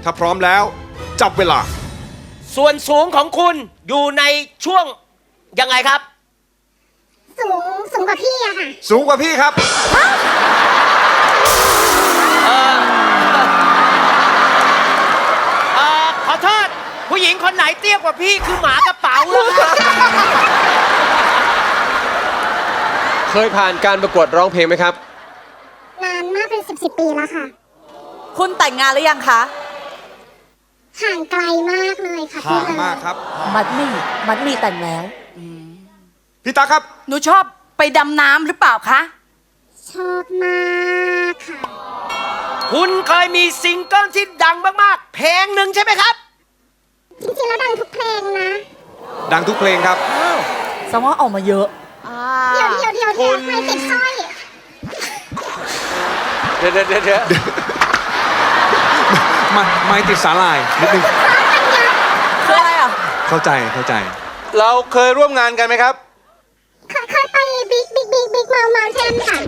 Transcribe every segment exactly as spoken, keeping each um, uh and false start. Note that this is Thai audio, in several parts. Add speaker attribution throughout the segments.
Speaker 1: ถ้าพร้อมแล้วจับเวลา
Speaker 2: ส่วนสูงของคุณอยู่ในช่วงยังไงครับ
Speaker 3: สูงสูงกว่าพี่อะค่ะ
Speaker 1: สูงกว่าพี่ครับ
Speaker 2: เอ่อขอโทษผู้หญิงคนไหนเตี้ยกว่าพี่คือหมากระเป๋าเลยครับ
Speaker 4: เคยผ่านการประกวดร้องเพลงไหมครับ
Speaker 3: นานมากเป็นสิบสิบปีแล้วค่ะ
Speaker 5: คุณแต่งงานหรือยังคะ
Speaker 3: ห่างไกลมากเลยค่ะ
Speaker 1: ห่าง
Speaker 3: พี่
Speaker 1: มากครับ
Speaker 5: มัดมี่มัดมี่แต่งแล้ว
Speaker 1: พี่ตาครับ
Speaker 5: หนูชอบไปดำน้ำหรือเปล่าคะ
Speaker 3: ชอบมากค่ะ
Speaker 2: คุณเคยมีซิงเกิลที่ดังมากๆ เพลงหนึ่งใช่ไหมครับ
Speaker 3: จริงๆแล้วดังทุกเพลงนะ
Speaker 1: ดังทุกเพลงครับ
Speaker 5: สมองออกมาเยอะ
Speaker 3: เดี๋ยวเดี๋ยวเดี๋ยวเดี๋ยวไม่ติดสร้อย
Speaker 4: เดี๋ยวเดี๋ยวเดี๋ยว
Speaker 1: มาไม่ติดสาลายนิดนึง
Speaker 5: คืออะไรอ่ะ
Speaker 1: เข้าใจเข้าใจ
Speaker 4: เราเคยร่วมงานกันไหมครับ
Speaker 3: เคยเคยไปบิ๊กบิ๊กบิ๊กบิ๊กเมาเมาเทนค่ะ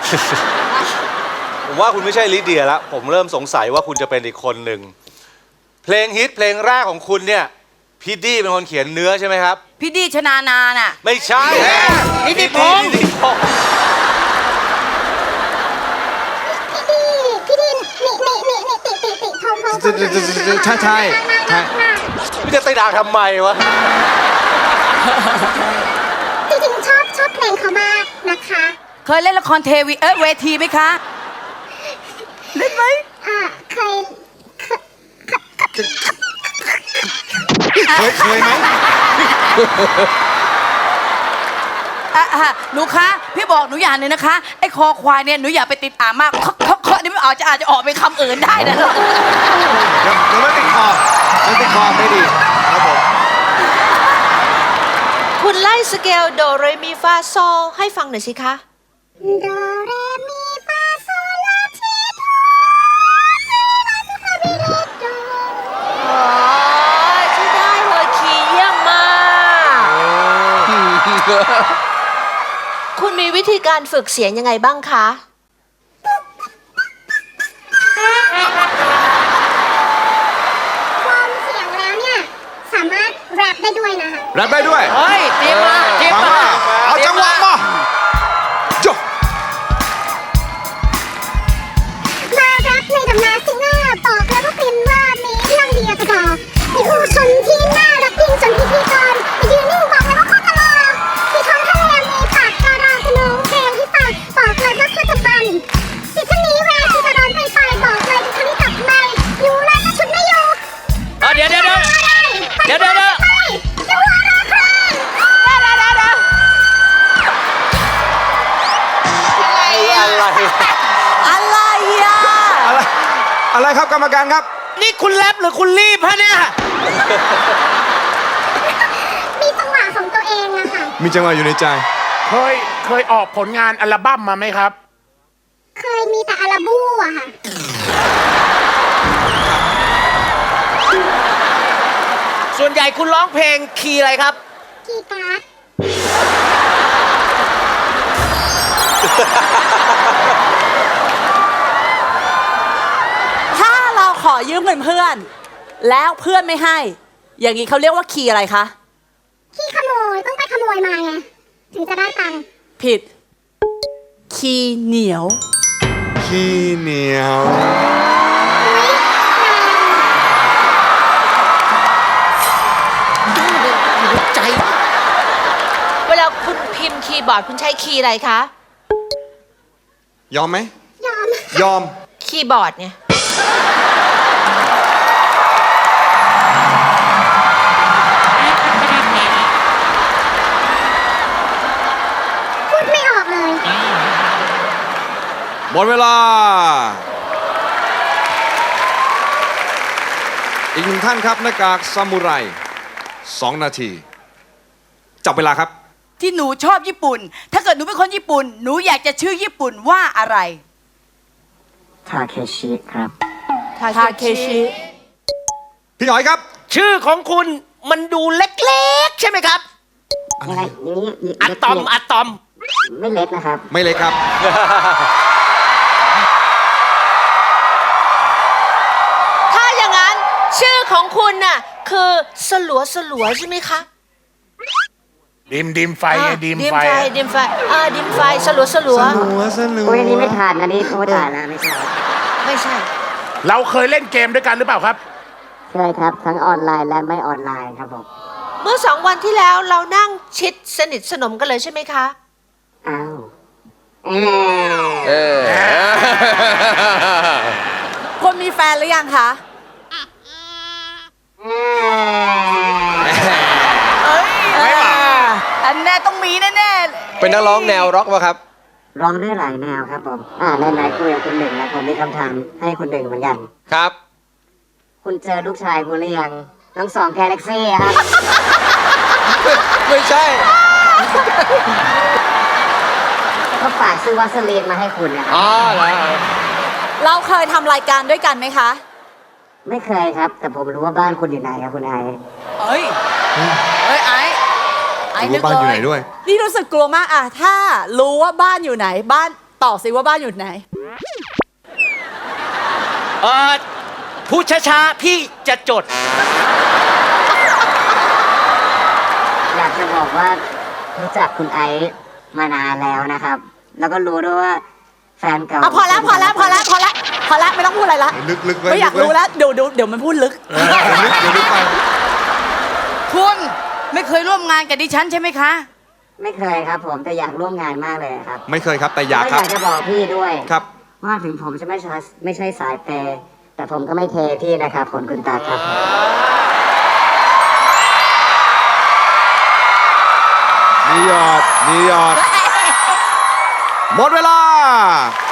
Speaker 6: ผมว่าคุณไม่ใช่ลิเดียแล้วผมเริ่มสงสัยว่าคุณจะเป็นอีกคนหนึ่งเพลงฮิตเพลงแรกของคุณเนี่ยพี่ดี้เป็นคนเขียนเนื้อใช่ไหมครับ
Speaker 5: พี่ดีชนานาน่ะ
Speaker 6: ไม่ใช่
Speaker 2: นิติพงษ์
Speaker 6: นิติพงษ์
Speaker 3: พี่ดีพี่ดีนี่นี่นี่นี่ติติติทงทงทง
Speaker 1: ใช่ใช่ใช่
Speaker 6: พี่จะตีด่าทำไมวะ
Speaker 3: จริงๆชอบชอบเพลงเขามากนะคะ
Speaker 5: เคยเล่นละครเทวีเอ้ยเวทีไหมคะ เล่นไหม
Speaker 3: อ่าเคย
Speaker 1: เคยเคยไหม
Speaker 5: อ่ะอ่ะหนูคะ พี่บอกหนูอย่างหนึงนะคะ ไอ้คอควายเนี่ยหนูอย่าไปติดอ่างมากเคาะเคาะเคาะนี่ไม่ออกจะอาจจะออกเป็นคำอื่นได้นะ
Speaker 1: เดี๋ยวเดี๋ยวมันติดคอมันติดคอไม่ดีครับผม
Speaker 7: คุณไล่สเกลโดเรมีฟาโซให้ฟังหน่อยสิคะ
Speaker 3: โดเรมีฟาโซลาทีโดซีลาซิฟาบิเลโด
Speaker 7: อ๋อใช่ได้เลยคีย์เยี่ยมมาก คุณมีวิธีการฝึกเสียงยังไงบ้างคะ
Speaker 3: ฟอร์มเสียงแล้วเนี่ย สามารถแรปได้ด้วยนะคะ
Speaker 1: แรปได้ด้วย
Speaker 2: เฮ้ยเตรียมมาเตรียม
Speaker 1: ฟัง
Speaker 2: มา
Speaker 1: ว่าเอาจังหวะมาจบ
Speaker 3: มาแรปในตำนานซิงเกอร์บอกแล้วว่าเป็นว่ามีเรื่องเดียวกระดอกมีผู้ชนที่น่ารักยิ่งจนพิธีกรไปยืนนิ่งบอกเลยว่าโคตรตลกที่ท้องทะเลมีปากการาขนมเพลงที่ฟังบอกเลยว่าโคตรบันที่ท่านนี้แวร์ที่จะโดนไปไปบอกเลยที่ท่านนี้กลับไม่อยู่เลยก็ชุดไม่อยู่
Speaker 2: เออเดี๋ยวเดี๋ยวเดี๋ยวเดี๋ยวเดี๋ยวเดี๋ยว
Speaker 3: จะหัวเราะใคร
Speaker 6: อะไร
Speaker 5: อะไรอ่ะ
Speaker 1: อะไรอะไรครับกรรมการครับ
Speaker 2: นี่คุณแรปหรือคุณรีบฮะเนี่ย
Speaker 3: มีจังหวะของตัวเองอะค่ะ
Speaker 1: มีจังหวะอยู่ในใจ
Speaker 8: เคยเคยออกผลงานอัลบั้มมาไหมครับ
Speaker 3: เคยมีแต่อาราบูอะค่ะ
Speaker 2: ส่วนใหญ่คุณร้องเพลงคีย์อะไรครับ
Speaker 3: กีตาร์
Speaker 5: ถ้าเราขอยืมเงินเพื่อน แล้วเพื่อนไม่ให้ อย่างนี้เขาเรียกว่าคีย์อะไรคะ
Speaker 3: ขี้ขโมยต้องไปขโมยมาไง ถึงจะได้ตังค์
Speaker 5: ผิด คีย์เหนียว
Speaker 1: ขี้เหนียว
Speaker 2: ใจ
Speaker 7: เวลาคุณพิมพ์คีย์บอร์ดคุณใช้คีย์อะไรคะ
Speaker 1: ยอมไหม
Speaker 3: ยอม
Speaker 1: ยอม
Speaker 7: คีย์บอร์ดเนี่ย
Speaker 3: พูดไม่ออกเลย
Speaker 1: หมดเวลา อีกหนึ่งท่านครับหน้ากากซามูไรสองนาที จับเวลาครับ
Speaker 5: ที่หนูชอบญี่ปุ่น ถ้าเกิดหนูเป็นคนญี่ปุ่น หนูอยากจะชื่อญี่ปุ่นว่าอะไร
Speaker 9: ทาเคชิครับ
Speaker 5: ทาเคชิ
Speaker 1: พี่หอยครับ
Speaker 2: ชื่อของคุณมันดูเล็กๆ ใช่ไหมครับ
Speaker 1: อะไร
Speaker 2: อะตอมอะตอม
Speaker 9: ไม่เล็กนะครับ
Speaker 1: ไม่เลยครับ
Speaker 7: ถ้าอย่างนั้นของคุณน่ะคือสลัวสลัวใช่ไหมคะ
Speaker 8: ดิมดิมไฟไง
Speaker 7: อ่า
Speaker 8: ดิม
Speaker 7: ดิม
Speaker 8: ไฟ
Speaker 7: ไฟดิมไฟอ่าดิมไฟสลัวสลัว
Speaker 9: อุ้ยอันนี้ไม่ทานอันนี้ไม่ทานนะไม่ใช่
Speaker 7: ไม่ใช่
Speaker 8: เราเคยเล่นเกมด้วยกันหรือเปล่าครับ
Speaker 9: เคยครับ ทั้งออนไลน์และไม่ออนไลน์ครับผม
Speaker 7: เมื่อสองวันที่แล้วเรานั่งชิดสนิทสนมกันเลยใช่ไหมคะ
Speaker 9: อ้าวเออ
Speaker 4: เออ
Speaker 5: คนมีแฟนหรือยังคะ เอ้ย
Speaker 1: ไม่หรอก
Speaker 5: อันแน่ต้องมีแน่ๆ
Speaker 4: เป็นนักร้องแนวร็อกป่ะครับ
Speaker 9: ร้องได้หลายแนวครับผม อ่าไหนๆคุยกับคุณหนึ่งแล้วผมมีคำถามให้คุณหนึ่งเหมือนกัน
Speaker 4: ครับ
Speaker 9: คุณเจอลูกชายคุณหรือยังทั้งสองแกแล็กซี่ครับ
Speaker 4: ไม่ใช่
Speaker 9: เขาฝากซื้อวัสลีนมาให้คุณนะครับ
Speaker 4: อ๋อเหรอ
Speaker 5: เราเคยทำรายการด้วยกันไหมคะ
Speaker 9: ไม่เคยครับ แต่ผมรู้ว่าบ้านคุณอยู่ไหนครับคุณไอ
Speaker 5: เอ้ย เอ้ยไอ้ไอ้
Speaker 1: รู้
Speaker 5: นึก
Speaker 1: ว่าบ้านอยู่
Speaker 5: เล
Speaker 1: ไหน
Speaker 5: ย
Speaker 1: ด้วย
Speaker 10: นี่รู้สึกกลัวมากอะถ้ารู้ว่าบ้านอยู่ไหน บ้านตอบสิว่าบ้านอยู่ไหน
Speaker 2: เออพูดช้าๆ พี่จะจด
Speaker 9: อยากจะบอกว่ารู้จักคุณไอซ์มานานแล้วนะครับ แล้วก็รู้ด้วยว่าแฟนเก่า
Speaker 10: อ่ะพอแล้วพอแล้วพอแล้วพอแล้วพอแล้วไม่ต้องพูดอะไรละ
Speaker 1: ลึกๆไว้
Speaker 10: ไม่อยาก
Speaker 1: ลึกๆไว้
Speaker 10: รู้แล้วเดี๋ยวเดี๋ยวเดี๋ยวมันพูดลึก
Speaker 1: เออเดี๋ยวลึกเดี๋ยวลึกไป
Speaker 5: คุณไม่เคยร่วมงานกับดิฉันใช่ไหมคะ
Speaker 9: ไม่เคยครับผมแต่อยากร่วมงานมากเลยครับ
Speaker 1: ไม่เคยครับแต่อยาก
Speaker 9: แล้ว
Speaker 1: ครั
Speaker 9: อบ ยากจะบอกพี่ด้วย
Speaker 1: ครับ
Speaker 9: ว่าถึงผมจะไม่ใช่ไม่ใช่สายเปย์แต่ผมก็ไม่เทพี่นะครับผลคุณตาครับ
Speaker 1: มีหยอด มีหยอด หมดเวลา